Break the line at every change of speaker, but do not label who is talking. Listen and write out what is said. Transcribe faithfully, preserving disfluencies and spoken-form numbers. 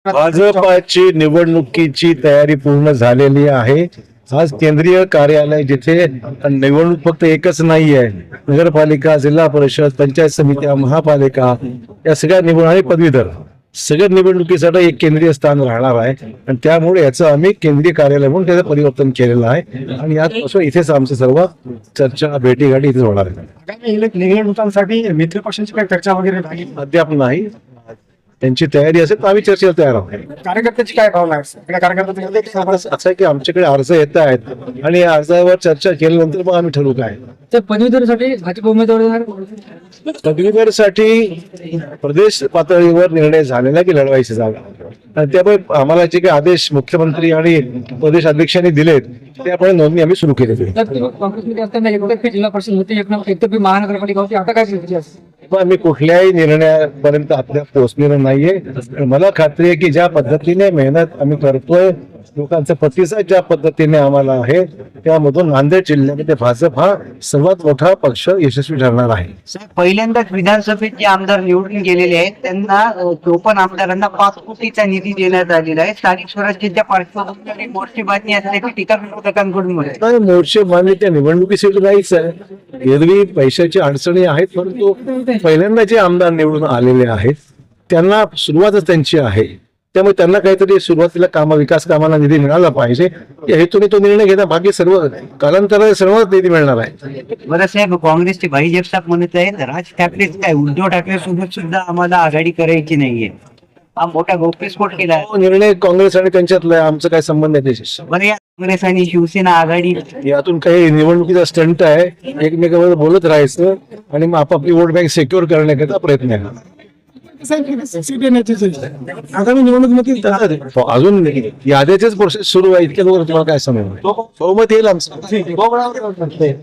भाजपाची निवडणुकीची तयारी पूर्ण झालेली आहे. आज केंद्रीय कार्यालय जिथे निवडणूक फक्त एकच नाही आहे, नगरपालिका, जिल्हा परिषद, पंचायत समित्या, महापालिका या सगळ्या निवडणूक आणि पदवीधर सगळ्या निवडणुकीसाठी एक केंद्रीय स्थान राहणार आहे आणि त्यामुळे याचं आम्ही केंद्रीय कार्यालय म्हणून त्याचं परिवर्तन केलेलं आहे आणि यापासून इथेच आमचं सर्व चर्चा भेटीगाठी इथेच होणार आहे.
आगामी निवडणुकांसाठी मित्र पक्षांची काही चर्चा वगैरे झाली?
अद्याप नाही. त्यांची तयारी असेल तर आम्ही चर्चेला तयार आहोत.
कार्यकर्त्याची काय भावना आहे? सगळ्या कार्यकर्त्यांची
असं आहे की आमच्याकडे अर्ज येत आहेत आणि या अर्जावर चर्चा केल्यानंतर मग आम्ही ठरवू काय.
तर पदवीधरसाठी भाजप उमेदवार
पदवीधरसाठी प्रदेश पातळीवर निर्णय झालेला की लढवायची जागा आणि त्यामुळे आम्हाला जे काही आदेश मुख्यमंत्री आणि प्रदेश अध्यक्षांनी दिलेत त्यामुळे नोंदणी आम्ही सुरू केलेली आहे.
काँग्रेसमध्ये असताना एकतर्फी जिल्हा परिषद होती, एकतर्फी महानगरपालिका होती, आता काय स्थिती असते?
पण आम्ही कुठल्याही निर्णयापर्यंत आपल्या पोहोचलेलं नाहीये. मला खात्री आहे की ज्या पद्धतीने मेहनत आम्ही करतोय, लोकांचा प्रतिसाद ज्या पद्धतीने आम्हाला आहे, त्यामधून नांदेड जिल्ह्यामध्ये भाजप हा सर्वात मोठा पक्ष यशस्वी ठरणार आहे.
साहेब, पहिल्यांदाच विधानसभेत जे आमदार निवडून गेलेले आहेत त्यांना अ, चोपन्न आमदारांना पाच कोटीचा निधी देण्यात आलेला आहे. स्थानिक स्वराज्याच्या पार्श्वभूमीवर मोर्चेबाजी असल्याची टीका विरोधकांकडून होते.
नाही, मोर्चे मान्य त्या निवडणुकीसाठी नाहीच आहे. एरवी पैशाची अडचणी आहेत, परंतु पहिल्यांदा जे आमदार निवडून आलेले आहेत त्यांना सुरुवातच त्यांची आहे, त्यामुळे त्यांना काहीतरी सुरुवातीला कामा विकास कामाला निधी मिळाला पाहिजे या हेतूने तो निर्णय घेणं. बाकी सर्व कालांतराने सर्व निधी मिळणार आहे.
बरं साहेब, काँग्रेसचे भाई जगताप म्हणत आहेत राज ठाकरे काय उद्धव ठाकरे सोबत सुद्धा आम्हाला आघाडी करायची नाहीये. हा मोठा गौप्यस्फोट केला आहे.
तो निर्णय काँग्रेस आणि त्यांच्यातला आहे, आमचा काय संबंध आहे त्याच्याशी.
बरं, या काँग्रेस आणि शिवसेना आघाडी
यातून काही निवडणुकीचा स्टंट आहे, एकमेकांवर बोलत राहायचं आणि मग आपापली वोट बँक सिक्युअर करण्याकरता प्रयत्न आहे.
आगामी निवडणुकीमध्ये
अजून याद्याचेच प्रोसेस सुरू आहे, इतक्या लोक तुम्हाला काय समजणार. बहुमत येईल आमचं.